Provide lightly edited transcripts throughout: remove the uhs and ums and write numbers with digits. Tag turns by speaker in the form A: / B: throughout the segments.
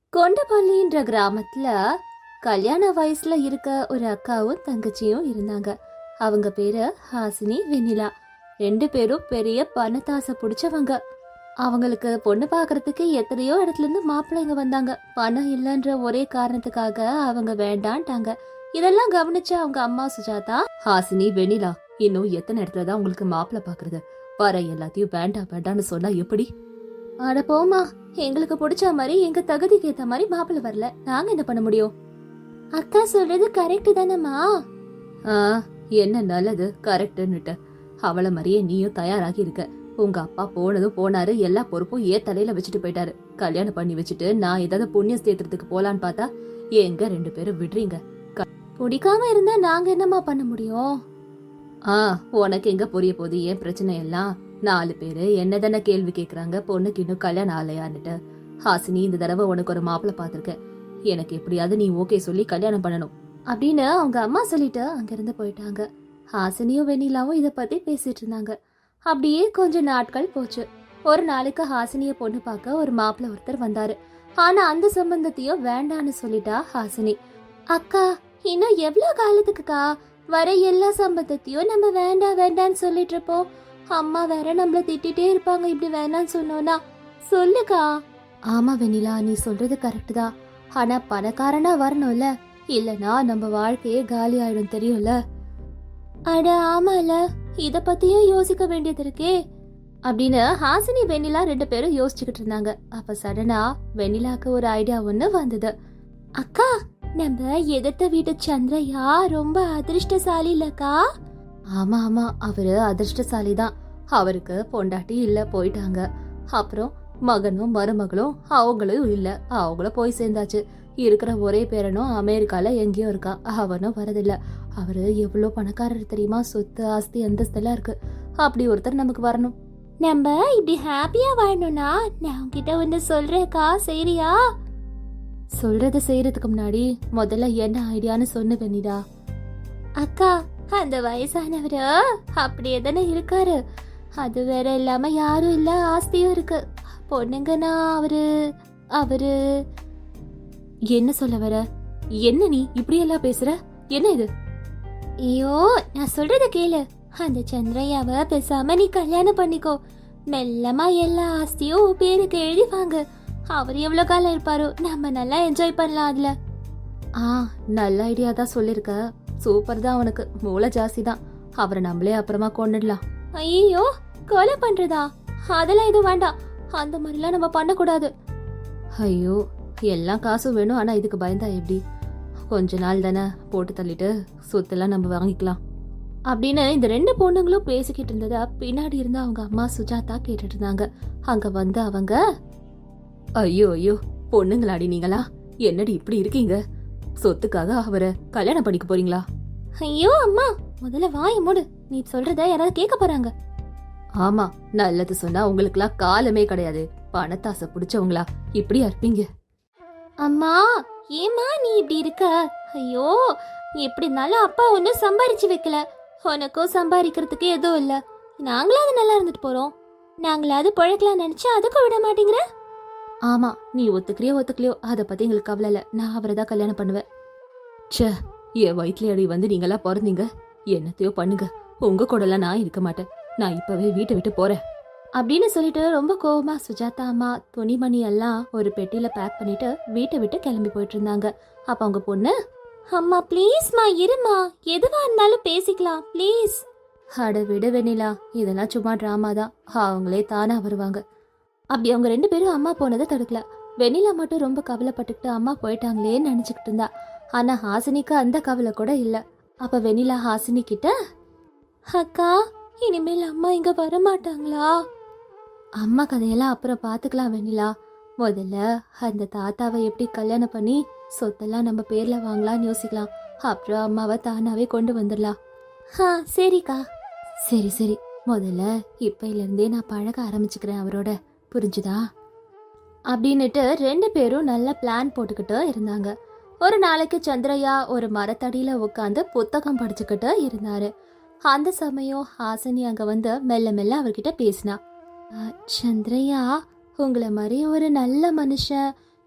A: கொண்டபள்ளின்ற கிராமத்துல கல்யாண வயசுல இருக்க ஒரு அக்காவும் தங்கச்சியும் இருந்தாங்க. அவங்க பேரு ஹாசினி, வெண்ணிலா. ரெண்டு பேரும் பெரிய பணத்தாசை பிடிச்சவங்க. அவங்களுக்கு பொண்ணு பாக்குறதுக்கு எத்தனையோ இடத்துல இருந்து மாப்பிள்ளைங்க வந்தாங்க. பணம் இல்லைன்ற ஒரே காரணத்துக்காக அவங்க வேண்டான்ட்டாங்க. இதெல்லாம் கவனிச்ச அவங்க அம்மா சுஜாதா, ஹாசினி, வெண்ணிலா, இன்னும் எத்தனை இடத்துலதான் உங்களுக்கு மாப்பிள்ளை பாக்குறது? வர எல்லாத்தையும் வேண்டாம் வேண்டான்னு சொன்னா எப்படி? அட போமா, எங்களுக்கு பிடிச்ச மாதிரி எங்க தகுதிக்கு ஏத்த மாதிரி மாப்பிள்ளை வரல, நாங்க என்ன பண்ண முடியும்? அக்கா சொல்றது கரெக்ட் தானம்மா? என்ன நல்லது கரெக்ட்னுட்டு அவளை மாதிரியே நீயும் தயாராகி இருக்க. உங்க அப்பா போனதும் போனாரு, எல்லா பொறுப்பும் தலையில வச்சுட்டு போயிட்டாரு. கல்யாணம் பண்ணி வச்சுட்டு நான் ஏதாவது புண்ணிய சேத்திரத்துக்கு போலான்னு பார்த்தா எங்க ரெண்டு பேரும் விடுறீங்க. பிடிக்காம இருந்தா நாங்க என்னமா பண்ண முடியும்? உனக்கு எங்க புரிய போகுது ஏன் பிரச்சனை எல்லாம்? 4 பேரு என்னதானே கேள்வி கேக்குறாங்க, பொண்ணுக்கு இன்னும் கல்யாணம் ஆலையான்னுட்டு. ஹாசினி, இந்த தடவை உனக்கு ஒரு மாப்பிள்ளை பாத்திருக்கேன், எனக்கு எப்படியாவது நீ ஓகே சொல்லி கல்யாணம் பண்ணணும் அப்படின்னு அவங்க அம்மா சொல்லிட்டு அங்கிருந்து போயிட்டாங்க. ஹாசினியும் வெண்ணிலாவும் இத பத்தி பேசிட்டு இருந்தாங்க. அப்படியே கொஞ்ச நாட்கள் போச்சு. ஒரு நாளைக்கு ஹாசினிய பொண்ணு பார்க்க ஒரு மாப்பிள்ளை ஒருத்தர் வந்தாரு. ஆனா அந்த சம்பந்தத்தையும் வேண்டான்னு சொல்லிட்டா ஹாசினி. அக்கா, இன்னும் எவ்வளவு காலத்துக்குக்கா வர எல்லா சம்பந்தத்தையும் நம்ம வேண்டாம் வேண்டான்னு சொல்லிட்டு இருப்போம்? அம்மா வேற நம்மள திட்டிட்டே இருப்பாங்க இப்படி வேணான்னு சொன்னோம்னா. சொல்லுக்கா. ஆமா வெண்ணிலா, நீ சொல்றது கரெக்ட் தான். ஆனா பணக்காரனா வரணும்ல, இல்லனா நம்ம வாழ்க்கையே காலி ஆயிடும், தெரியும்ல? அட ஆமால, இத பத்தியும் யோசிக்க வேண்டியது இருக்கே அப்படின்னு ஹாசினி, வெண்ணிலா 2 பேரும் யோசிச்சுக்கிட்டு இருந்தாங்க. அப்ப சடனா வெண்ணிலாக்கு ஒரு ஐடியா ஒண்ணு வந்தது. அக்கா, நம்ம எதிர்த்த வீட்டு சந்திரையா ரொம்ப அதிர்ஷ்டசாலி இல்லக்கா? ஆமா ஆமா, அவரு அதிர்ஷ்டசாலி தான். அவருக்கு பொண்டாட்டி இல்ல, போயிட்டாங்க. அப்புறம் மகனும் மருமகளும் அவங்களும் இல்ல, அவங்களும் போய் சேர்ந்தாச்சு. இருக்கிற ஒரே பேரனும் அமெரிக்கால எங்கேயோ இருக்கா, அவனும் வரதில்ல. அவரு எவ்வளவு பணக்காரர் தெரியுமா? சொத்து ஆஸ்தி அந்தஸ்தெல்லாம் இருக்கு. அப்படி ஒருத்தர் நமக்கு வரணும். நம்ம இப்படி ஹாப்பியா வாழணும்னா நான் உன்கிட்ட ஒன்னு சொல்றேக்கா, சரியா? சொல்றத செய்யறதுக்கு முன்னாடி முதல்ல என்ன ஐடியான்னு சொன்ன வெண்ணிலா. அக்கா, அந்த வயசானவரு அப்படியே தானே இருக்காரு. அது வேற இல்லாம யாரும் இல்ல, ஆஸ்தியும் இருக்கு. பொண்ணுங்கன்னா அவரு அவரு என்ன சொல்ல வர? என்ன நீ இப்படி எல்லாம் பேசுற? என்ன இது? ஐயோ, நான் சொல்றத கேளு. அந்த சந்திரையாவ பேசாம நீ கல்யாணம் பண்ணிக்கோ. மெல்லமா எல்லா ஆஸ்தியும் பேருக்கு எழுதிவாங்க. அவர் எவ்வளவு காலம் இருப்பாரோ, நம்ம நல்லா என்ஜாய் பண்ணலாம் அதுல. நல்ல ஐடியா தான் சொல்லிருக்க. சூப்பர் தான், அவனுக்கு மூளை ஜாஸ்தி தான். அவரை நம்மளே அப்புறமா கொண்டுடலாம். ஐயோ, கொலை பண்றதா? அதெல்லாம் எதுவும் வேண்டாம், அந்த மாதிரிலாம் நம்ம பண்ணக்கூடாது. ஐயோ, எல்லாம் காசும் வேணும், ஆனா இதுக்கு பயந்தா எப்படி? கொஞ்ச நாள் தானே, போட்டு தள்ளிட்டு சொத்தெல்லாம் நம்ம வாங்கிக்கலாம் அப்படின்னு இந்த 2 பொண்ணுங்களும் பேசிக்கிட்டு இருந்ததா பின்னாடி இருந்து அவங்க அம்மா சுஜாதா கேட்டுட்டு இருந்தாங்க. அங்க வந்து அவங்க, ஐயோ ஐயோ, பொண்ணுங்களாடி நீங்களா, என்னடி இப்படி இருக்கீங்க? சொத்துக்காக அவரை கல்யாணம் பண்ணிக்க போறீங்களா? ஐயோ அம்மா, முதல்ல வாய மூடு. நீ சொல்றத யாராவது கேட்க போறாங்க. ஆமா, நல்லது சொன்னா உங்களுக்குலாம் காலமே கிடையாது. பணத்தாசை பிடிச்சவங்களா இப்படியா இருப்பீங்க? அம்மா, ஏமா நீ இப்படி இருக்க? ஐயோ, எப்படி இருந்தாலும் அப்பா ஒன்னும் சம்பாரிச்சு வைக்கல, உனக்கும் சம்பாதிக்கிறதுக்கு எதுவும் இல்ல. நாங்களாவது நல்லா இருந்துட்டு போறோம், நாங்களாவது பழக்கலாம் நினைச்சா அதுக்கும் விட மாட்டேங்கிற. ஆமா, நீ ஒத்துக்கிறியோ ஒத்துக்கலையோ அதை பத்தி எங்களுக்கு கவலை இல்ல. நான் அவரை தான் கல்யாணம் பண்ணுவேன். ச்சே, என் வயிற்றுல அடி வந்து நீங்களா பிறந்தீங்க. என்னத்தையோ பண்ணுங்க, உங்க கூடலாம் நான் இருக்க மாட்டேன். நான் இப்பவே வீட்டை விட்டு போறேன் அப்படின்னு சொல்லிட்டு ரொம்ப கோவமா சுஜாதா அம்மா துணிமணி எல்லாம் ஒரு பெட்டியில பேக் பண்ணிட்டு வீட்டை விட்டு கிளம்பி போயிட்டு இருந்தாங்க. அப்ப அவங்க பொண்ணு, அம்மா ப்ளீஸ்மா இருமா, எதுவா இருந்தாலும் பேசிக்கலாம் ப்ளீஸ். அட விடு வெண்ணிலா, இதெல்லாம் சும்மா டிராமா தான், அவங்களே தானா வருவாங்க. அப்படி அவங்க 2 பேரும் அம்மா போனதை தடுக்கல. வெண்ணிலா மட்டும் ரொம்ப கவலைப்பட்டுக்கிட்டு அம்மா போயிட்டாங்களேன்னு நினைச்சுக்கிட்டு இருந்தா. ஆனா ஹாசினிக்கு அந்த கவலை கூட இல்ல. அப்ப வெண்ணிலா ஹாசினி கிட்ட, அக்கா, இனிமேல் அம்மா இங்க வரமாட்டாங்களா? அம்மா கதையெல்லாம் அப்புறம் பாத்துக்கலாம் வெண்ணிலா. முதல்ல அந்த தாத்தாவை எப்படி கல்யாணம் பண்ணி சொத்தெல்லாம் நம்ம பேர்ல வாங்கலாம்னு யோசிக்கலாம். அப்புறம் அம்மாவை தானாவே கொண்டு வந்துடலாம். சரிக்கா. சரி சரி, முதல்ல இப்பையில இருந்தே நான் பழக ஆரம்பிச்சுக்கிறேன் அவரோட, புரிஞ்சுதா? அப்படின்னுட்டு 2 பேரும் நல்ல பிளான் போட்டுக்கிட்டு இருந்தாங்க. ஒரு நாளைக்கு சந்திரையா ஒரு மரத்தடியில உட்காந்து புத்தகம் படிச்சுக்கிட்டு இருந்தாரு. அந்த சமயம் ஹாசினி அங்க வந்து மெல்ல மெல்ல அவர்கிட்ட பேசினா. சந்திரையா, உங்களை மாதிரி ஒரு நல்ல மனுஷன்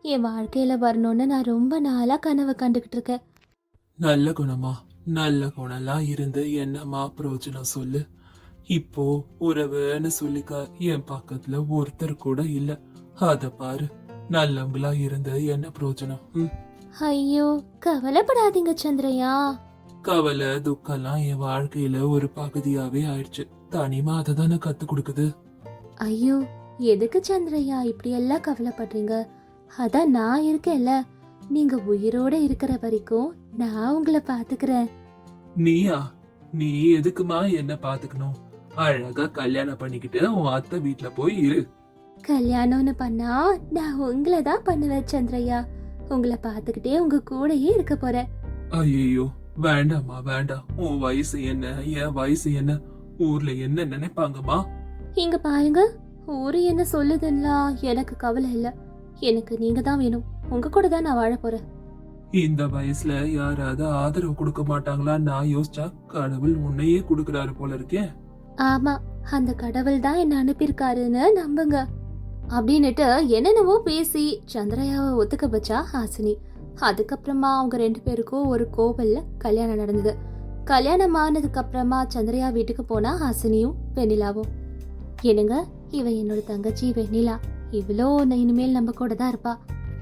A: என் வாழ்க்கையில வரணும்னு நான் ரொம்ப நாளா கனவு கண்டுகிட்டு இருக்கேன்.
B: நல்ல குணமா? நல்ல குணம்லாம் இருந்து என்னம்மா பிரயோஜனம் சொல்லு. இப்போ உறவுன்னு சொல்லிக்க என் பக்கத்துல ஒருத்தர் கூட இல்ல. அத பாரு, நல்லவங்களா இருந்து என்ன பிரயோஜனம்?
A: ஐயோ, கவலைப்படாதீங்க சந்திரையா.
B: கவலை துக்கம்லாம் என் வாழ்க்கையில ஒரு பகுதியாவே ஆயிடுச்சு. தனிமா அதை தானே கத்து கொடுக்குது.
A: ஐயோ, எதுக்கு சந்திரையா இப்படி எல்லாம் கவலைப்படுறீங்க? அதான் நான் இருக்கேன்ல. நீங்க உயிரோட இருக்கிற வரைக்கும் நான் உங்களை பாத்துக்கிறேன்.
B: நீயா? நீ எதுக்குமா என்ன பாத்துக்கணும்? அழகா கல்யாணம் பண்ணிக்கிட்டு உன் அத்தை வீட்டுல போய் இரு.
A: கல்யாணம்னு பண்ணா நான் உங்களை தான் பண்ணுவேன் சந்திரையா. உங்களை பாத்துக்கிட்டே உங்க கூடயே இருக்க போறேன்.
B: ஐயோ வேண்டாம்மா வேண்டாம். உன் வயசு என்ன, என் வயசு என்ன, ஊர்ல என்ன நினைப்பாங்கம்மா?
A: இங்க பாருங்க, ஊரு என்ன சொல்லுதுன்னா எனக்கு கவலை இல்ல. எனக்கு நீங்க தான் வேணும். உங்க கூட தான் நான் வாழ போறேன்.
B: இந்த வயசுல யாராவது ஆதரவு கொடுக்க மாட்டாங்களா? நான் யோசிச்சா கடவுள் உன்னையே கொடுக்கறாரு போல இருக்கே.
A: ஆமா, அந்த கடவுள் தான் என்ன அனுப்பியிருக்காருன்னு நம்புங்க அப்படின்னுட்டு என்னென்னவோ பேசி சந்திரையாவை ஒத்துக்க வச்சா ஹாசினி. அதுக்கப்புறமா அவங்க 2 பேருக்கும் ஒரு கோவில்ல கல்யாணம் நடந்தது. கல்யாணம் ஆனதுக்கு அப்புறமா சந்திரையா வீட்டுக்கு போனா ஹாசினியும் வெண்ணிலாவும். என்னங்க, இவ என்னோட தங்கச்சி வெண்ணிலா. இவ்வளோ இனிமேல் நம்ம கூட தான் இருப்பா.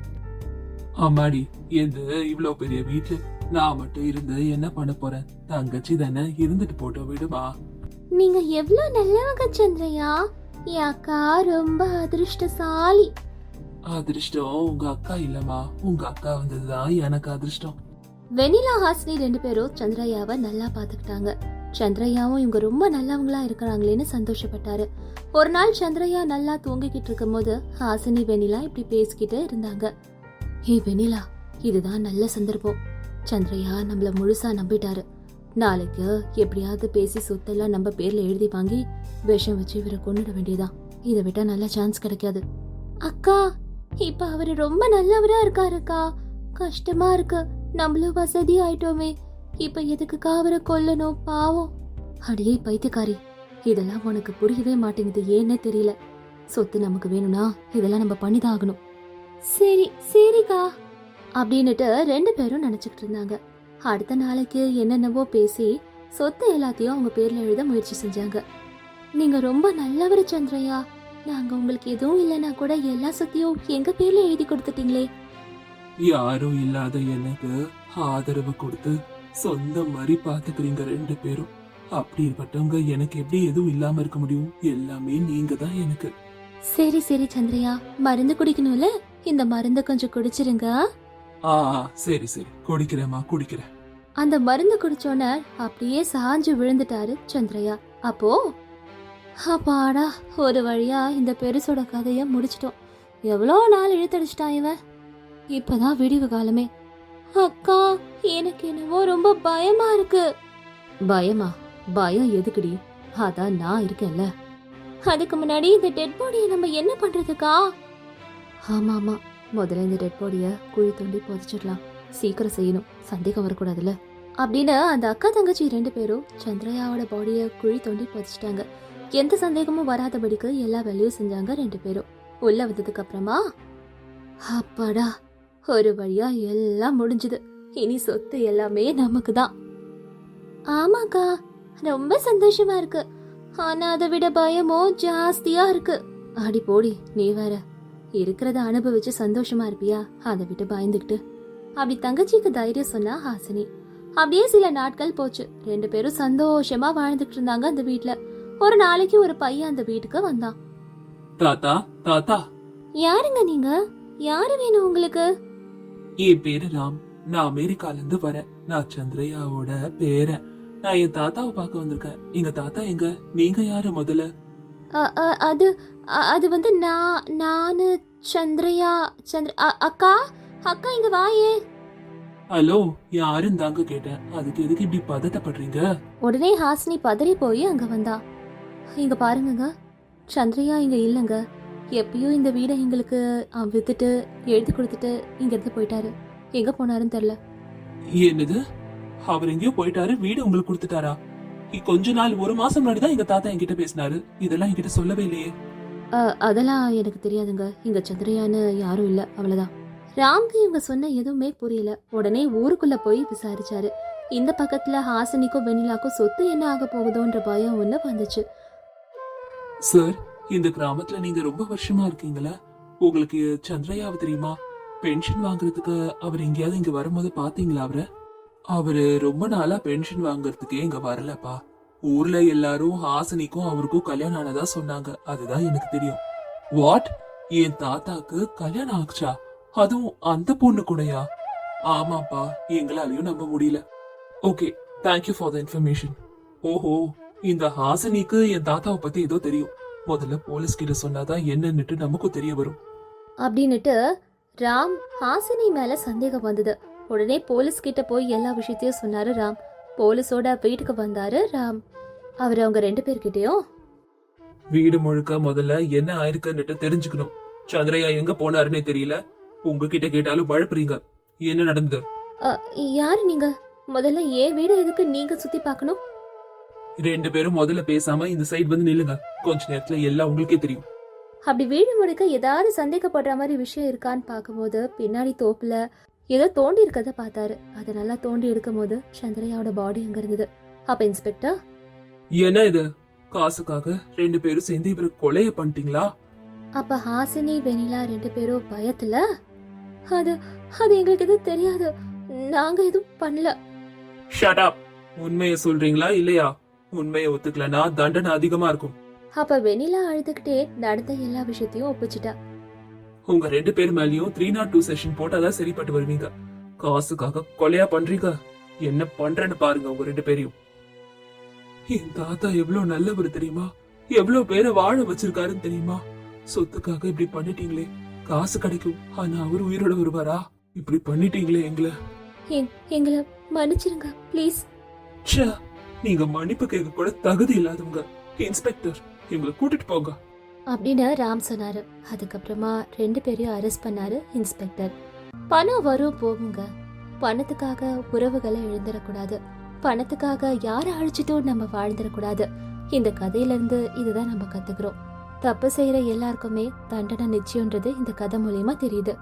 B: ஆமாடி, எந்த இவ்ளோ பெரிய வீட்டுல நான் மட்டும் இருந்து என்ன பண்ண போறேன்? தங்கச்சி தானே, இருந்துட்டு போட்டோ விடுமா.
A: நீங்க எவ்வளவு நல்லவங்க சந்திரையா. என் அக்கா ரொம்ப அதிர்ஷ்டசாலி.
B: அதிர்ஷ்டம் உங்க அக்கா இல்லம்மா, உங்க அக்கா வந்ததுதான் எனக்கு அதிர்ஷ்டம்.
A: வெண்ணிலா ஹாசினி 2 பேரும் சந்திரையாவை நல்லா பாத்துக்கிட்டாங்க. சந்திரையாவும் இவங்க ரொம்ப நல்லவங்களா இருக்கிறாங்களேன்னு சந்தோஷப்பட்டாரு. ஒரு நாள் சந்திரையா நல்லா தூங்கிக்கிட்டு இருக்கும் போது ஹாசினி வெண்ணிலா இப்படி பேசிக்கிட்டு இருந்தாங்க. ஹே வெண்ணிலா, இதுதான் நல்ல சந்தர்ப்பம். சந்திரையா நம்மள முழுசா நம்பிட்டாரு. நாளைக்கு எப்படியாவது பேசி சொத்தெல்லாம் நம்ம பேர்ல எழுதி வாங்கி விஷம் வச்சு இவரை கொண்டுட வேண்டியதான். இதை விட்டா நல்ல சான்ஸ் கிடைக்காது. அக்கா, இப்ப அவரு ரொம்ப நல்லவரா இருக்காருக்கா. கஷ்டமா இருக்கு. நம்மளும் வசதி ஆயிட்டோமே. இப்ப எதுக்குக்கா அவரை கொல்லணும்? பாவம். அடியே பைத்தியக்காரி, இதெல்லாம் உனக்கு புரியவே மாட்டேங்குது. ஏன்னே தெரியல. சொத்து நமக்கு வேணும்னா இதெல்லாம் நம்ம பண்ணிதான் ஆகணும். சரி சரிக்கா அப்படின்னுட்டு 2 பேரும் நினைச்சுக்கிட்டு இருந்தாங்க. அடுத்த நாளைக்கு என்னென்னவோ பேசி சொத்து எல்லாத்தையும் அவங்க பேர்ல எழுத முயற்சி செஞ்சாங்க. நீங்க ரொம்ப நல்லவர் சந்திரையா. நாங்க உங்களுக்கு எதுவும் இல்லைன்னா கூட எல்லா சொத்தையும் எங்க பேர்ல எழுதி கொடுத்துட்டீங்களே.
B: யாரும் இல்லாத எனக்கு ஆதரவு கொடுத்து சொந்த மாதிரி பாத்துக்கிறீங்க 2 பேரும். அப்படிப்பட்டவங்க எனக்கு எப்படி எதுவும் இல்லாம இருக்க முடியும்? எல்லாமே நீங்க தான் எனக்கு.
A: சரி சரி சந்திரையா, மருந்து குடிக்கணும்ல, இந்த மருந்தை கொஞ்சம் குடிச்சிருங்க.
B: ஆ சரி சரி, குடிக்கிறேம்மா குடிக்கிறேன்.
A: அந்த மருந்து குடிச்சோன்ன அப்படியே சாஞ்சு விழுந்துட்டாரு சந்திரையா. அப்போ அப்பாடா, ஒரு வழியா இந்த பெருசோட கதைய முடிச்சிட்டோம். எவ்வளோ நாள் இழுத்தடிச்சிட்டான் இவன். இப்பதான் விடிவு காலமே. அக்கா, எனக்கு என்னவோ ரொம்ப பயமா இருக்கு. பயமா? பயம் எதுக்குடி? அதான் நான் இருக்கேன்ல. அதுக்கு முன்னாடி இந்த டெட் பாடியை நம்ம என்ன பண்றதுக்கா? ஆமா ஆமா, முதல்ல இந்த டெட் பாடிய குழி தோண்டி புதைச்சிடலாம். சீக்கிரம் செய்யணும், சந்தேகம் வரக்கூடாதுல்ல அப்படின்னு அந்த அக்கா தங்கச்சி 2 பேரும் சந்திரையாவோட பாடிய குழி தோண்டி புதைச்சிட்டாங்க. எந்த சந்தேகமும் வராதபடிக்கு எல்லா வேலையும் செஞ்சாங்க 2 பேரும். உள்ள வந்ததுக்கு அப்புறமா அப்பாடா, ஒரு வழியா எல்லாம் முடிஞ்சது. இனி சொத்து எல்லாமே நமக்கு தான். ஆமாக்கா, ரொம்ப சந்தோஷமா இருக்கு. ஆனா அதை விட பயமும் ஜாஸ்தியா இருக்கு. அடி போடி, நீ வேற. இருக்கிறத அனுபவிச்சு சந்தோஷமா இருப்பியா? அதை விட்டு பயந்துக்கிட்டு அப்படி தங்கச்சிக்கு தைரியம் சொன்னா ஹாசினி. அப்படியே சில நாட்கள் போச்சு. 2 பேரும் சந்தோஷமா வாழ்ந்துட்டு இருந்தாங்க அந்த வீட்டுல. ஒரு நாளைக்கு ஒரு பையன் அந்த வீட்டுக்கு வந்தான்.
B: தாத்தா தாத்தா.
A: யாருங்க நீங்க? யாரு வேணும் உங்களுக்கு?
B: என் பேரு ராம். நான் அமெரிக்கால இருந்து வரேன். நான் சந்திரையாவோட பேரன். நான் என் தாத்தாவை பார்க்க வந்திருக்கேன். எங்க தாத்தா எங்க? நீங்க யாரு முதல்ல?
A: அது அது வந்து நானு சந்திரையா. அக்கா அக்கா இங்க வாயே.
B: ஹலோ, யாருன்னு தாங்க கேட்டேன். அதுக்கு எதுக்கு இப்படி பதட்டப்படுறீங்க?
A: உடனே ஹாசினி பதறி போய் அங்க வந்தா. இங்க பாருங்க, சந்திரையா இங்க இல்லங்க. எப்பயும் இந்த வீடை எங்களுக்கு வித்துட்டு எழுதி கொடுத்துட்டு இங்க இருந்து போயிட்டாரு. எங்க போனாருன்னு தெரியல.
B: என்னது? அவர் எங்கேயோ போயிட்டாரு, வீடு உங்களுக்கு கொடுத்துட்டாரா? கொஞ்ச நாள், 1 மாசம் முன்னாடி தான் எங்க தாத்தா என்கிட்ட பேசினாரு. இதெல்லாம் என்கிட்ட சொல்லவே இல்லையே.
A: அதெல்லாம் எனக்கு தெரியாதுங்க. இங்க சந்திரையான்னு யாரும் இல்ல, அவ்வளவுதான். ராம்க்கு இவங்க சொன்ன எதுவுமே புரியல. உடனே ஊருக்குள்ள போய் விசாரிச்சாரு. இந்த பக்கத்துல ஹாசினிக்கும் வெண்ணிலாக்கும் சொத்து என்ன ஆக போகுதோன்ற பயம் ஒண்ணு வந்துச்சு.
B: சார், இந்த கிராமத்துல நீங்க ரொம்ப வருஷமா இருக்கீங்களா? உங்களுக்கு சந்திரயாவை தெரியுமா? பென்ஷன் வாங்குறதுக்கு அவர் எங்கேயாவது இங்க வரும்போது பாத்தீங்களா அவரை? அவரு ரொம்ப நாளா பென்ஷன் வாங்குறதுக்கே இங்க வரலப்பா. ஊர்ல எல்லாரும் ஹாசினிக்கும் அவருக்கும் கல்யாணம் ஆனதா சொன்னாங்க. அதுதான் எனக்கு தெரியும். வாட்? என் தாத்தாக்கு கல்யாணம் ஆச்சா? அதுவும் அந்த பொண்ணு கூடயா? ஆமாப்பா, எங்களாலையும் நம்ப முடியல. Okay, thank you for the information. ஓஹோ, இந்த ஹாசினிக்கு என் தாத்தாவை பத்தி ஏதோ தெரியும். முதல்ல போலீஸ் கிட்ட சொன்னாதான் என்னன்னுட்டு நமக்கும் தெரிய வரும்.
A: அப்படின்னுட்டு ராம் ஹாசினி மேல சந்தேகம் வந்தது. உடனே போலீஸ் கிட்ட போய் எல்லா விஷயத்தையும் சொன்னாரு ராம். போலீஸோட வீட்டுக்கு வந்தாரு ராம். அவர் அவங்க 2 பேர்கிட்டயும்
B: வீடு முழுக்க முதல்ல என்ன ஆயிருக்குன்னுட்டு தெரிஞ்சுக்கணும். சந்திரயா எங்க போனாருன்னே தெரியல. உங்ககிட்ட கேட்டாலும் பழப்புறீங்க. என்ன நடந்தது?
A: யாரு நீங்க? முதல்ல ஏன் வீடு எதுக்கு நீங்க சுத்தி பார்க்கணும்?
B: 2 பேரும் முதல்ல பேசாம இந்த சைடு வந்து நில்லுங்க. கொஞ்ச நேரத்துல எல்லாம் உங்களுக்கே தெரியும்.
A: அப்படி வீடு முழுக்க ஏதாவது சந்தேகப்படுற மாதிரி விஷயம் இருக்கான்னு பார்க்கும்போது பின்னாடி தோப்புல ஏதோ தோண்டி இருக்கத பார்த்தாரு. அதை நல்லா தோண்டி எடுக்கும் போது சந்திரயாவோட பாடி அங்க இருந்தது. அப்ப இன்ஸ்பெக்டர்,
B: என்ன இது? காசுக்காக 2 பேரும் சேர்ந்து இவரை கொலைய பண்ணிட்டீங்களா?
A: அப்ப ஹாசினி வெண்ணிலா 2 பேரும் பயத்துல, அது அது எங்களுக்கு எதுவும் தெரியாது, நாங்க எதுவும் பண்ணல.
B: Shut up. உண்மையை சொல்றீங்களா இல்லையா? உண்மையை ஒத்துக்கலனா தண்டனை அதிகமா இருக்கும்.
A: அப்ப வெண்ணிலா அழுதுகிட்டே நடந்த எல்லா விஷயத்தையும் ஒப்பிச்சிட்டா.
B: உங்க 2 பேர் மேலயும் 302 செஷன் போட்டாதான் சரிப்பட்டு வருவீங்க. காசுக்காக கொலையா பண்றீங்க. என்ன பண்றேன்னு பாருங்க உங்க 2 பேரையும். என் தாத்தா எவ்வளவு நல்லவர் தெரியுமா? எவ்வளவு பேரை வாழ வச்சிருக்காருன்னு தெரியுமா? சொத்துக்காக இப்படி பண்ணிட்டீங்களே. காசு கிடைக்கும், ஆனா அவர் உயிரோட வருவாரா? இப்படி பண்ணிட்டீங்களே எங்களை.
A: எங்களை மன்னிச்சிருங்க ப்ளீஸ்.
B: ச்சே, நீங்க மன்னிப்பு கேட்க கூட தகுதி இல்லாதவங்க. இன்ஸ்பெக்டர், இவங்களை கூட்டிட்டு போங்க
A: அப்படின்னு ராம் சொன்னாரு. அதுக்கப்புறமா 2 பேரையும் அரெஸ்ட் பண்ணாரு இன்ஸ்பெக்டர். பணம் வரும் போகுங்க. பணத்துக்காக உறவுகளை இழந்துடக்கூடாது. பணத்துக்காக யாரை அழிச்சிட்டும் நம்ம வாழ்ந்துடக்கூடாது. இந்த கதையில இருந்து இதுதான் நம்ம கத்துக்கிறோம். தப்பு செய்யற எல்லாருக்குமே தண்டனை நிச்சயம்ன்றது இந்த கதை மூலியமா தெரியுது.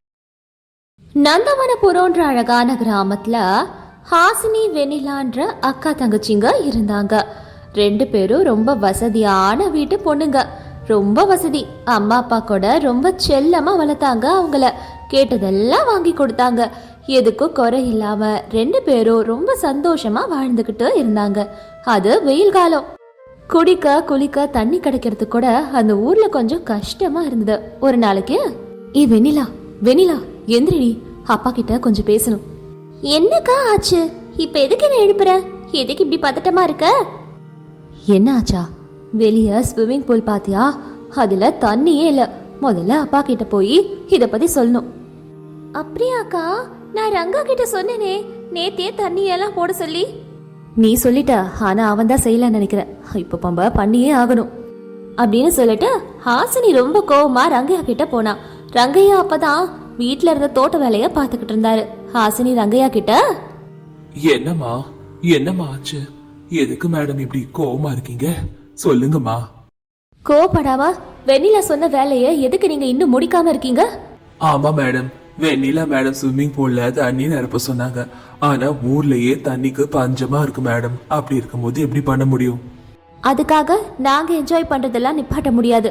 A: நந்தவனபுரம்ன்ற அழகான கிராமத்துல ஹாசினி வெண்ணிலான்ற அக்கா தங்கச்சிங்க இருந்தாங்க. 2 பேரும் ரொம்ப வசதியான வீட்டு பொண்ணுங்க. ரொம்ப வசதி. அம்மா அப்பா கூட ரொம்ப செல்லமா வளர்த்தாங்க. அவங்கள கேட்டதெல்லாம் வாங்கி கொடுத்தாங்க. எதுக்கும் குறை இல்லாம 2 பேரும் ரொம்ப சந்தோஷமா வாழ்ந்துகிட்டு இருந்தாங்க. அது வெயில் காலம். குடிக்க குளிக்க தண்ணி கிடைக்கிறது கூட அந்த ஊர்ல கொஞ்சம் கஷ்டமா இருந்தது. ஒரு நாளைக்கு, வெண்ணிலா வெண்ணிலா எந்திரிடி, அப்பா கிட்ட கொஞ்சம் பேசணும். என்னக்கா ஆச்சு? இப்ப எதுக்கு என்ன எழுப்புற? எதுக்கு இப்படி பதட்டமா இருக்க? என்ன ஆச்சா? வெளிய ஸ்விம்மிங் பூல் பாத்தியா? அதுல தண்ணியே இல்ல. முதல்ல அப்பா கிட்ட போய் இத பத்தி சொல்லணும். அப்படியாக்கா? நான் ரங்கா கிட்ட சொன்னேனே நேத்தே தண்ணி எல்லாம் போட சொல்லி. நீ சொல்லிட்ட, ஆனா அவன் தான் செய்யலன்னு நினைக்கிறேன். இப்ப பம்ப பண்ணியே ஆகணும் அப்படின்னு சொல்லிட்டு ஹாசினி ரொம்ப கோவமா ரங்கையா கிட்ட போனா. ரங்கையா அப்பதான் வீட்டுல இருந்த தோட்ட வேலைய பாத்துக்கிட்டு இருந்தாரு. ஹாசினி ரங்கையா கிட்ட,
B: என்னம்மா என்னம்மா ஆச்சு? எதுக்கு மேடம் இப்படி கோவமா இருக்கீங்க? சொல்லுங்கம்மா.
A: கோவப்படாம வெண்ணிலா சொன்ன வேலைய எதுக்கு நீங்க இன்னும் முடிக்காம இருக்கீங்க?
B: ஆமா மேடம், வெண்ணிலா மேடம் ஸ்விம்மிங் பூல்ல தண்ணி நிரப்ப சொன்னாங்க. ஆனா ஊர்லயே தண்ணிக்கு பஞ்சமா இருக்கு மேடம். அப்படி இருக்கும்போது எப்படி பண்ண முடியும்?
A: அதுக்காக நாங்க என்ஜாய் பண்றதெல்லாம் நிப்பாட்ட முடியாது.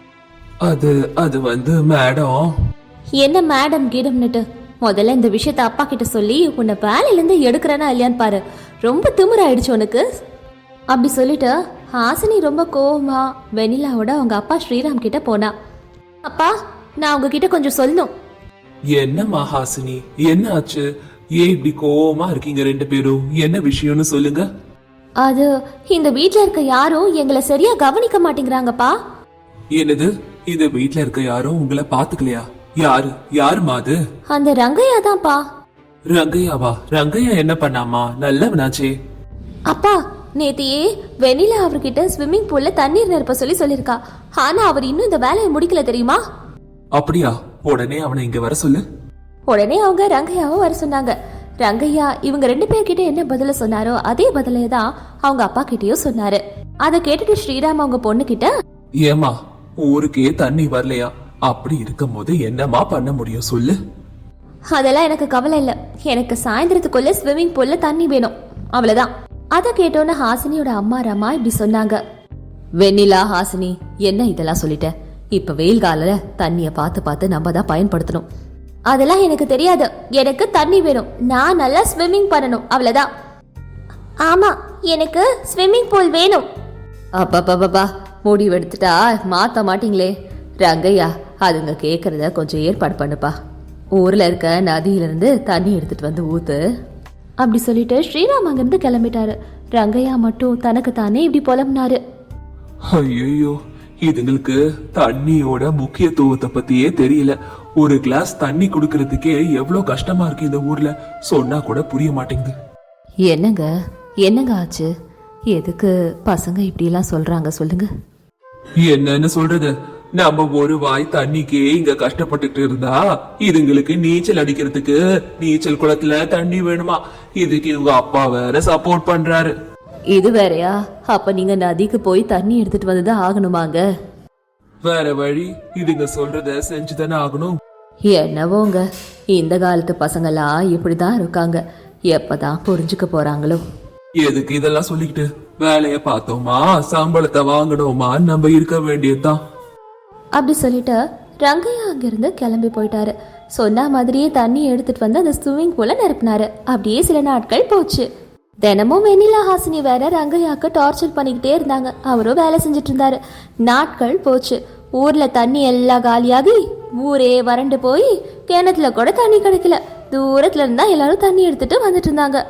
B: அது வந்து மேடம்.
A: என்ன மேடம் கீடம்னுட்டு? முதல்ல இந்த விஷயத்த அப்பா கிட்ட சொல்லி உன்னை வேலையில இருந்து எடுக்கிறேன்னா இல்லையான்னு பாரு. ரொம்ப திமிராயிடுச்சு உனக்கு. அப்படி சொல்லிட்டு ஹாசினி ரொம்ப கோவமா வெண்ணிலாவோட அவங்க அப்பா ஸ்ரீராம் கிட்ட போனா. அப்பா, நான் உங்ககிட்ட கொஞ்சம் சொல்லணும்.
B: என்னம்மா ஹாசினி, என்ன ஆச்சு? ஏன் இப்படி கோவமா இருக்கீங்க 2 பேரும்? என்ன விஷயம்னு சொல்லுங்க.
A: அது இந்த வீட்ல இருக்க யாரும் எங்களை சரியா கவனிக்க மாட்டேங்கிறாங்கப்பா.
B: என்னது? இந்த வீட்ல இருக்க யாரும் உங்களை பாத்துக்கலையா? யாருமா அது?
A: அந்த ரங்கையா தான்ப்பா.
B: ரங்கையாவா? ரங்கையா என்ன பண்ணாமா? நல்லவனாச்சே.
A: அப்பா, நேத்தியே வெண்ணிலா அவர்கிட்ட ஸ்விம்மிங் பூல்ல தண்ணீர் நிரப்ப சொல்லிருக்கா. ஆனா அவர் இன்னும் இந்த வேலையை முடிக்கல தெரியுமா?
B: அப்படியா? உடனே அவனை இங்க வர சொல்லு.
A: உடனே அவங்க ரங்கையாவை வர சொன்னாங்க. ரங்கையா இவங்க 2 பேர்கிட்ட என்ன பதில சொன்னாரோ அதே பதிலே தான் அவங்க அப்பா கிட்டயும் சொன்னாரு. அதை கேட்டுட்டு ஸ்ரீராம் அவங்க பொண்ணு கிட்ட,
B: ஏமா ஊருக்கே தண்ணி வரலையா? அப்படி இருக்கும் போது என்னமா பண்ண முடியும் சொல்லு?
A: அதெல்லாம் எனக்கு கவலை இல்லை. எனக்கு சாயந்தரத்துக்குள்ள ஸ்விம்மிங் பூல்ல தண்ணி வேணும், அவ்வளவுதான். அதை கேட்டோன்னு ஹாசினியோட அம்மா ரமா இப்படி சொன்னாங்க. வெண்ணிலா, ஹாசினி, என்ன இதெல்லாம் சொல்லிட்ட? இப்ப வெயில் கால தண்ணிய பார்த்து பார்த்து நம்ம தான் பயன்படுத்தணும். அதெல்லாம் எனக்கு தெரியாது. எனக்கு தண்ணி வேணும். நான் நல்லா ஸ்விம்மிங் பண்ணணும், அவ்வளவுதான். ஆமா, எனக்கு ஸ்விம்மிங் பூல் வேணும். அப்பா முடிவு எடுத்துட்டா மாத்த மாட்டீங்களே. ரங்கையா, அதுங்க கேக்குறத கொஞ்சம் ஏற்பாடு பண்ணுப்பா. ஊர்ல இருக்க நதியிலிருந்து தண்ணி எடுத்துட்டு வந்து ஊத்து. அப்படி சொல்லிட்டு ஸ்ரீராம் அங்கிருந்து கிளம்பிட்டாரு. ரங்கையா மட்டும் தனக்கு தானே இப்படி புலம்புனாரு.
B: ஐயோ, இதுங்களுக்கு தண்ணியோட முக்கியத்துவத்தை பத்தியே தெரியல. ஒரு கிளாஸ் தண்ணி குடுக்கறதுக்கே எவ்வளவு கஷ்டமா இருக்கு இந்த ஊர்ல. சொன்னா கூட புரிய மாட்டேங்குது.
A: என்னங்க என்னங்க ஆச்சு? எதுக்கு பசங்க இப்படி எல்லாம் சொல்றாங்க சொல்லுங்க.
B: என்னன்னு சொல்றது, நம்ம ஒரு வாய் தண்ணிக்கே இங்க கஷ்டப்பட்டுட்டு இருந்தா இதுங்களுக்கு நீச்சல் அடிக்கிறதுக்கு நீச்சல் குளத்துல தண்ணி வேணுமா? இதுக்கு இவங்க அப்பா வேற சப்போர்ட் பண்றாரு.
A: இது வேறயா? அப்ப நீங்க நதிக்கு போய் தண்ணி எடுத்துட்டு வந்துதான் ஆகணுமாங்க?
B: வேற வழி, இதுங்க சொல்றத செஞ்சுதானே ஆகணும்.
A: என்னவோங்க, இந்த காலத்து பசங்கெல்லாம் இப்படிதான் இருக்காங்க. எப்பதான் புரிஞ்சுக்க போறாங்களோ?
B: எதுக்கு இதெல்லாம் சொல்லிக்கிட்டு? வேலைய பார்த்தோமா, சம்பளத்தை வாங்கணுமா, நம்ம இருக்க வேண்டியதுதான்.
A: அப்படி சொல்லிட்டு ரங்கையா அங்கிருந்து கிளம்பி போயிட்டாரு. சொன்ன மாதிரியே தண்ணி எடுத்துட்டு வந்து அந்த ஸ்விம்மிங் பூல நிரப்பினாரு. அப்படியே சில நாட்கள் போச்சு. தினமும் வெண்ணிலா, ஹாசினி வேற ரங்கையாக்கு டார்ச்சர் பண்ணிக்கிட்டே இருந்தாங்க. அவரும் வேலை செஞ்சுட்டு இருந்தாரு. நாட்கள் போச்சு. ஊர்ல தண்ணி எல்லாம் காலியாகி ஊரே வறண்டு போய் கிணத்துல கூட தண்ணி கிடைக்கல. தூரத்துல இருந்தா எல்லாரும் தண்ணி எடுத்துட்டு வந்துட்டு இருந்தாங்க.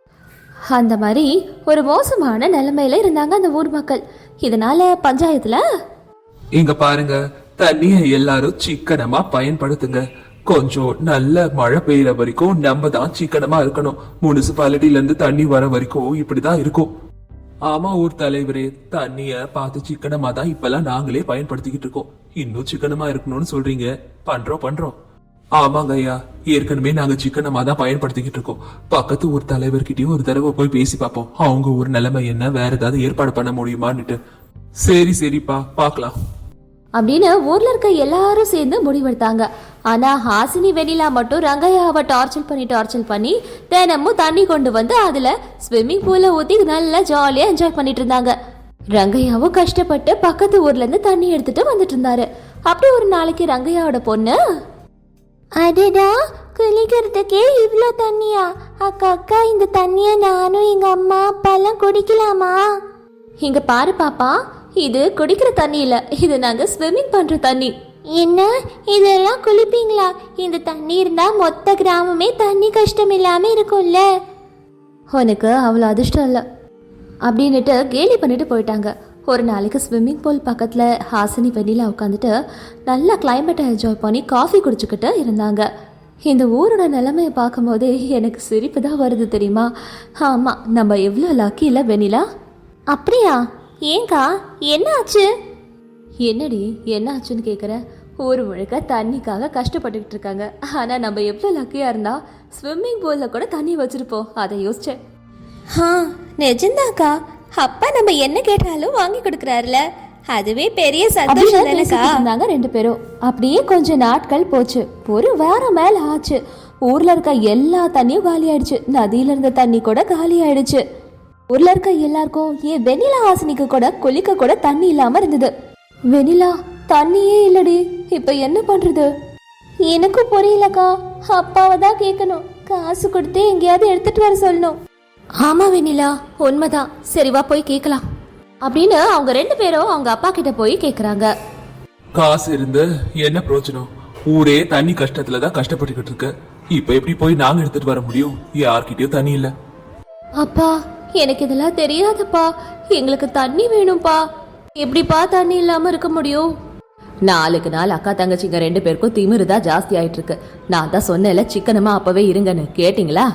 A: அந்த மாதிரி ஒரு மோசமான நிலைமையில இருந்தாங்க அந்த ஊர் மக்கள். இதனால பஞ்சாயத்துல,
B: இங்க பாருங்க, தண்ணிய எல்லாரும் சிக்கனமா பயன்படுத்துங்க. கொஞ்சம் நல்ல மழை பெய்யற வரைக்கும் நம்ம தான் சிக்கனமா இருக்கணும். முனிசிபாலிட்டில இருந்து தண்ணி வர வரைக்கும் இப்படிதான் இருக்கும். ஆமா ஊர் தலைவரே, தண்ணிய பார்த்து சிக்கனமா தான் இப்பெல்லாம் நாங்களே பயன்படுத்திக்கிட்டு இருக்கோம். இன்னும் சிக்கனமா இருக்கணும்னு சொல்றீங்க. பண்றோம். ஆமாங்க ஐயா, ஏற்கனவே நாங்க சிக்கனமா தான் பயன்படுத்திக்கிட்டு இருக்கோம். பக்கத்து ஊர் தலைவர்கிட்டயும் ஒரு தடவை போய் பேசி பார்ப்போம். அவங்க ஊர் நிலைமை என்ன, வேற ஏதாவது ஏற்பாடு பண்ண முடியுமான்னுட்டு. சரிப்பா, பாக்கலாம்
A: அப்படின்னு ஊர்ல இருக்க எல்லாரும் சேர்ந்து முடிவெடுத்தாங்க. ஆனா ஹாசினி, வெண்ணிலா மட்டும் ரங்கையாவை டார்ச்சர் பண்ணி தினமும் தண்ணி கொண்டு வந்து அதுல ஸ்விம்மிங் பூல ஊத்தி நல்லா ஜாலியா என்ஜாய் பண்ணிட்டு இருந்தாங்க. ரங்கையாவும் கஷ்டப்பட்டு பக்கத்து ஊர்ல இருந்து தண்ணி எடுத்துட்டு வந்துட்டு இருந்தாரு. அப்படி ஒரு நாளைக்கு ரங்கையாவோட பொண்ணு, அடடா, குளிக்கிறதுக்கே இவ்ளோ தண்ணியா? அக்கா, இந்த தண்ணிய நானும் எங்க அம்மா அப்பாலாம் குடிக்கலாமா? இங்க பாரு பாப்பா, இது குடிக்கிற தண்ணி இல்ல, இது நாங்க ஸ்விம்மிங் பண்ற தண்ணி. என்ன, இதெல்லாம் குளிப்பீங்களா? இந்த தண்ணி இருந்தா மொத்த கிராமமே தண்ணி கஷ்டம் இல்லாம இருக்கும்ல. உனக்கு அவ்வளோ அதிர்ஷ்டம் இல்ல அப்படின்னுட்டு கேலி பண்ணிட்டு போயிட்டாங்க. ஒரு நாளைக்கு ஸ்விம்மிங் பூல் பக்கத்துல ஹாசினி, வெண்ணிலா உட்காந்துட்டு நல்லா கிளைமேட்டை என்ஜாய் பண்ணி காஃபி குடிச்சுக்கிட்டு இருந்தாங்க. இந்த ஊரோட நிலைமையை பார்க்கும் போதே எனக்கு சிரிப்பு தான் வருது தெரியுமா? ஆமா, நம்ம எவ்வளோ லக்கி இல்லை வெண்ணிலா? அப்படியா? ஏங்கா, என்ன ஆச்சு? என்னடி என்ன ஆச்சுன்னு கேட்குற? ஊர் முழுக்க தண்ணிக்காக கஷ்டப்பட்டுக்கிட்டு இருக்காங்க. ஆனால் நம்ம எவ்வளோ லக்கியாக இருந்தா ஸ்விம்மிங் பூலில் கூட தண்ணி வச்சுருப்போம். அதை யோசிச்சேன். நிஜந்தாக்கா, அப்பா நம்ம என்ன கேட்டாலும் வாங்கி கொடுக்குறாருல, அதுவே பெரிய சந்தோஷம் இருந்தாங்க ரெண்டு பேரும். அப்படியே கொஞ்ச நாட்கள் போச்சு. ஒரு வாரம் மேல ஆச்சு. ஊர்ல இருக்க எல்லா தண்ணியும் காலி ஆயிடுச்சு. நதியில இருந்த தண்ணி கூட காலி ஆயிடுச்சு. ஊர்ல இருக்க எல்லாருக்கும், ஏன் வெண்ணிலா, ஹாசினிக்கு கூட குளிக்க கூட தண்ணி இல்லாம இருந்தது. வெண்ணிலா, தண்ணியே இல்லடி, இப்ப என்ன பண்றது? எனக்கும் புரியலக்கா. அப்பாவை தான் கேட்கணும். காசு கொடுத்து எங்கேயாவது எடுத்துட்டு வர சொல்லணும். ஆமா வெண்ணிலா, உண்மைதான். சரி வா போய் கேட்கலாம் அப்படின்னு அவங்க ரெண்டு பேரும் அவங்க அப்பா கிட்ட போய் கேக்குறாங்க.
B: காசு இருந்து என்ன பிரயோஜனம்? ஊரே தண்ணி கஷ்டத்துல தான் கஷ்டப்பட்டுக்கிட்டு இருக்கு. இப்ப எப்படி போய் நாங்க எடுத்துட்டு வர முடியும்? யார்கிட்டயும் தண்ணி இல்ல.
A: அப்பா, எனக்கு இதெல்லாம் தெரியாதப்பா. எங்களுக்கு தண்ணி வேணும்பா. எப்படிப்பா தண்ணி இல்லாம இருக்க முடியும்? நாளுக்கு நாள் அக்கா தங்கச்சிங்க ரெண்டு பேருக்கும் திமிருதான் ஜாஸ்தி ஆயிட்டு இருக்கு. நான் தான் சொன்னேன்ல, சிக்கனமா அப்பவே இருங்கன்னு. கேட்டீங்களா?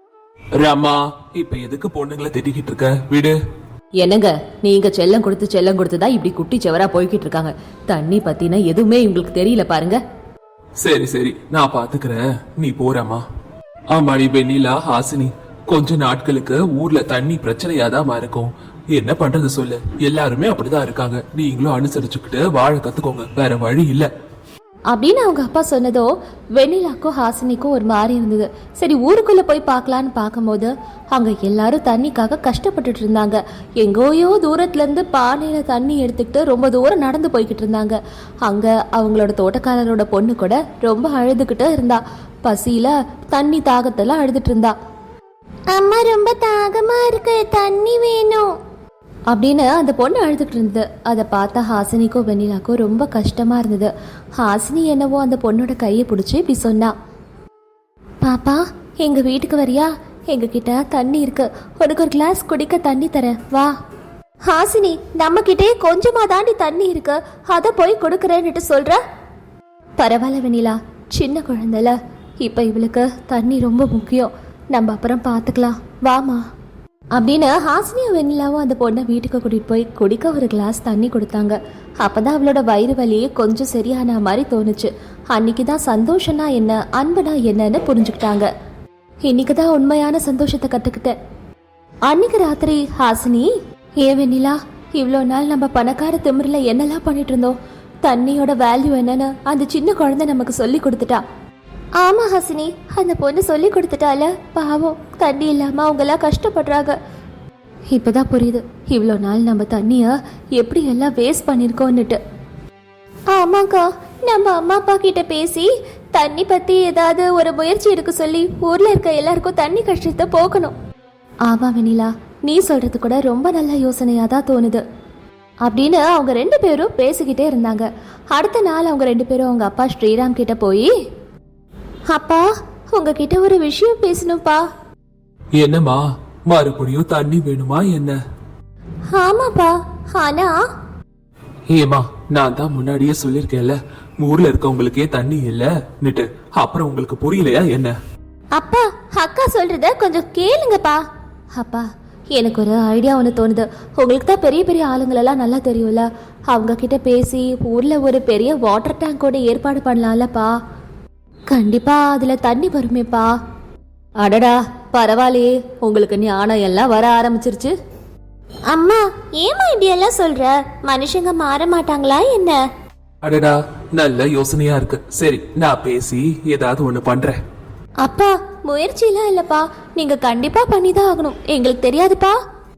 B: ராமா, இப்ப எதுக்கு பொண்ணுங்களை திட்டிக்கிட்டு இருக்க? விடு.
A: என்னங்க, நீங்க செல்லம் கொடுத்துதான் இப்படி குட்டி செவரா போய்கிட்டு இருக்காங்க. தண்ணி பத்தின எதுவுமே உங்களுக்கு தெரியல பாருங்க.
B: சரி, நான் பாத்துக்கிறேன், நீ போறமா. ஆமாடி வெண்ணிலா, ஹாசினி, கொஞ்ச நாட்களுக்கு ஊர்ல தண்ணி பிரச்சனையாதான் இருக்கும். என்ன பண்றது சொல்லு? எல்லாருமே அப்படிதான் இருக்காங்க. நீங்களும் அனுசரிச்சுக்கிட்டு வாழ கத்துக்கோங்க. வேற வழி இல்ல.
A: அப்படின்னு அவங்க அப்பா சொன்னதோ வெண்ணிலாக்கும் ஹாசினிக்கும் ஒரு மாதிரி இருந்தது. சரி ஊருக்குள்ள போய் பார்க்கலான்னு பார்க்கும்போது அங்க எல்லாரும் தண்ணிக்காக கஷ்டப்பட்டுட்டு இருந்தாங்க. எங்கோயோ தூரத்துல இருந்து பானையில தண்ணி எடுத்துக்கிட்டு ரொம்ப தூரம் நடந்து போய்கிட்டு இருந்தாங்க. அங்க அவங்களோட தோட்டக்காரரோட பொண்ணு கூட ரொம்ப அழுதுகிட்டு இருந்தா. பசியில தண்ணி தாகத்தெல்லாம் அழுதுட்டு இருந்தா. அம்மா ரொம்ப தாகமா இருக்கு, தண்ணி வேணும் அப்படின்னு அந்த பொண்ணு அழுதுட்டு இருந்தது. அதை பார்த்தா ஹாசினிக்கும் வெண்ணிலாக்கும் ரொம்ப கஷ்டமா இருந்தது. ஹாசினி என்னவோ அந்த பொண்ணோட கையை பிடிச்சி இப்படி சொன்னா, பாப்பா எங்க வீட்டுக்கு வரியா? எங்க கிட்ட தண்ணி இருக்கு, உனக்கு ஒரு கிளாஸ் குடிக்க தண்ணி தரேன், வா. ஹாசினி, நம்ம கிட்டே கொஞ்சமா தாண்டி தண்ணி இருக்கு, அதை போய் கொடுக்கறேன்னுட்டு சொல்ற. பரவாயில்ல வெண்ணிலா, சின்ன குழந்தைல, இப்ப இவளுக்கு தண்ணி ரொம்ப முக்கியம், நம்ம அப்புறம் பார்த்துக்கலாம், வாமா அப்படின்னு ஹாசினியும் வெண்ணிலாவும் அந்த பொண்ணை வீட்டுக்கு கூட்டிகிட்டு போய் குடிக்க ஒரு கிளாஸ் தண்ணி கொடுத்தாங்க. அப்போ தான் அவளோட வயிறு வலியே கொஞ்சம் சரியான மாதிரி தோணுச்சு. அன்னைக்கு தான் சந்தோஷம்னா என்ன, அன்புனா என்னன்னு புரிஞ்சுக்கிட்டாங்க. இன்னைக்கு தான் உண்மையான சந்தோஷத்தை கற்றுக்கிட்டேன். அன்னைக்கு ராத்திரி ஹாசினி, வெண்ணிலா, இவ்வளோ நாள் நம்ம பணக்கார திமிரில் என்னெல்லாம் பண்ணிட்டு இருந்தோம், தண்ணியோட வேல்யூ என்னன்னு அந்த சின்ன குழந்தை நமக்கு சொல்லி கொடுத்துட்டா. ஆமா ஹாசினி, அந்த பொண்ணு சொல்லி கொடுத்துட்டால, பாவம் தண்ணி இல்லாம அவங்க எல்லாம் கஷ்டப்படுறாங்க. இப்பதான் புரியுது இவ்வளோ நாள் நம்ம தண்ணிய எப்படி எல்லாம் வேஸ்ட் பண்ணிருக்கோன்னுட்டு. ஆமாக்கா, நம்ம அம்மா அப்பா கிட்ட பேசி தண்ணி பத்தி ஏதாவது ஒரு முயற்சி எடுக்க சொல்லி ஊர்ல இருக்க எல்லாருக்கும் தண்ணி கஷ்டத்தை போக்கணும். ஆமா வெண்ணிலா, நீ சொல்றது கூட ரொம்ப நல்ல யோசனையா தான் தோணுது அப்படின்னு அவங்க 2 பேரும் பேசிக்கிட்டே இருந்தாங்க. அடுத்த நாள் அவங்க 2 பேரும் அவங்க அப்பா ஸ்ரீராம் கிட்ட போய், அப்பா உங்ககிட்ட ஒரு விஷயம் பேசணும்ப்பா.
B: என்னம்மா, மறுபடியும் தண்ணி வேணுமா என்ன?
A: ஆமாப்பா, ஆனா
B: ஏமா, நான் தான் முன்னாடியே சொல்லிருக்கேன்ல, ஊர்ல இருக்கவங்களுக்கே தண்ணி இல்லன்னுட்டு, அப்புறம் உங்களுக்கு புரியலையா என்ன?
A: அப்பா, அக்கா சொல்றத கொஞ்சம் கேளுங்கப்பா. அப்பா, எனக்கு ஒரு ஐடியா ஒன்று தோணுது. உங்களுக்கு தான் பெரிய பெரிய ஆளுங்களெல்லாம் நல்லா தெரியும்ல, அவங்க கிட்ட பேசி ஊர்ல ஒரு பெரிய வாட்டர் டேங்கோட ஏற்பாடு பண்ணலாம்லப்பா. கண்டிப்பா அதுல தண்ணி வருமேப்பா. அடடா, பரவாயில்லையே, உங்களுக்கு ஞானம் எல்லாம் வர ஆரம்பிச்சிருச்சு. அம்மா, ஏமா இப்படியெல்லாம் சொல்ற? மனுஷங்க மாற மாட்டாங்களா என்ன?
B: அடடா, நல்ல யோசனையா இருக்கு. சரி, நான் பேசி ஏதாவது ஒண்ணு பண்றேன்.
A: அப்பா, முயற்சியெல்லாம் இல்லப்பா, நீங்க கண்டிப்பா பண்ணிதான் ஆகணும், எங்களுக்கு தெரியாதுப்பா.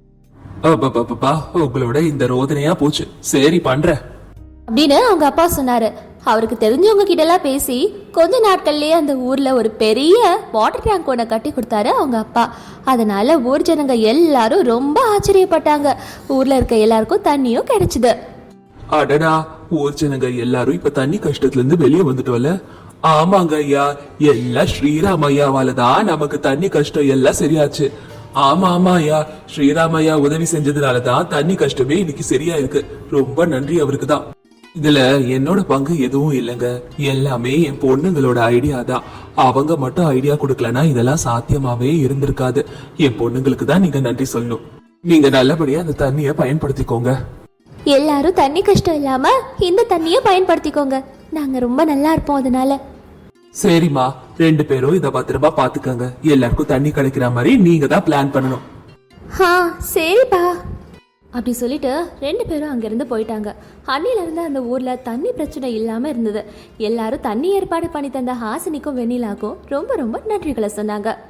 B: அப்பா, உங்களோட இந்த ரோதனையா போச்சு. சரி, பண்றேன்
A: அப்படின்னு அவங்க அப்பா சொன்னாரு. அவருக்கு தெரிஞ்சவங்க கிட்ட எல்லாம் பேசி கொஞ்ச நாட்கள்லயே அந்த ஊர்ல ஒரு பெரிய வாட்டர் டேங்க் ஒன்று கட்டி கொடுத்தாரு அவங்க அப்பா. அதனால ஊர் ஜனங்க எல்லாரும் ரொம்ப ஆச்சரியப்பட்டாங்க. ஊர்ல இருக்க எல்லாருக்கும் தண்ணியும் கிடைச்சது.
B: அடடா, ஊர் ஜனங்க எல்லாரும் இப்ப தண்ணி கஷ்டத்துல இருந்து வெளியே வந்துட்டோம்ல. ஆமாங்க ஐயா, எல்லாம் ஸ்ரீராம் ஐயாவால தான் நமக்கு தண்ணி கஷ்டம் எல்லாம் சரியாச்சு. ஆமா ஐயா, ஸ்ரீராம் ஐயா உதவி செஞ்சதுனாலதான் தண்ணி கஷ்டமே இன்னைக்கு சரியா இருக்கு. ரொம்ப நன்றி அவருக்கு தான். இதுல என்னோட பங்கு எதுவும் இல்லைங்க, எல்லாமே என் பொண்ணுங்களோட ஐடியா தான். அவங்க மட்டும் ஐடியா கொடுக்கலனா இதெல்லாம் சாத்தியமாவே இருந்திருக்காது. என் பொண்ணுங்களுக்கு தான் நீங்க நன்றி சொல்லணும். நீங்க நல்லபடியா அந்த தண்ணிய பயன்படுத்திக்கோங்க.
A: எல்லாரும் தண்ணி கஷ்டம் இல்லாம இந்த தண்ணிய பயன்படுத்திக்கோங்க, நாங்க ரொம்ப நல்லா இருப்போம். அதனால
B: சரிம்மா, 2 பேரும் இத பத்திரமா பாத்துக்கங்க. எல்லாருக்கும் தண்ணி கிடைக்கிற மாதிரி நீங்க தான் பிளான் பண்ணணும்.
A: சரிப்பா அப்படி சொல்லிட்டு 2 பேரும் அங்கிருந்து போயிட்டாங்க. அன்னில இருந்து அந்த ஊர்ல தண்ணி பிரச்சனை இல்லாம இருந்தது. எல்லாரும் தண்ணி ஏற்பாடு பண்ணி தந்த ஹாசினிக்கும் வெண்ணிலாக்கும் ரொம்ப ரொம்ப நன்றிகளை சொன்னாங்க.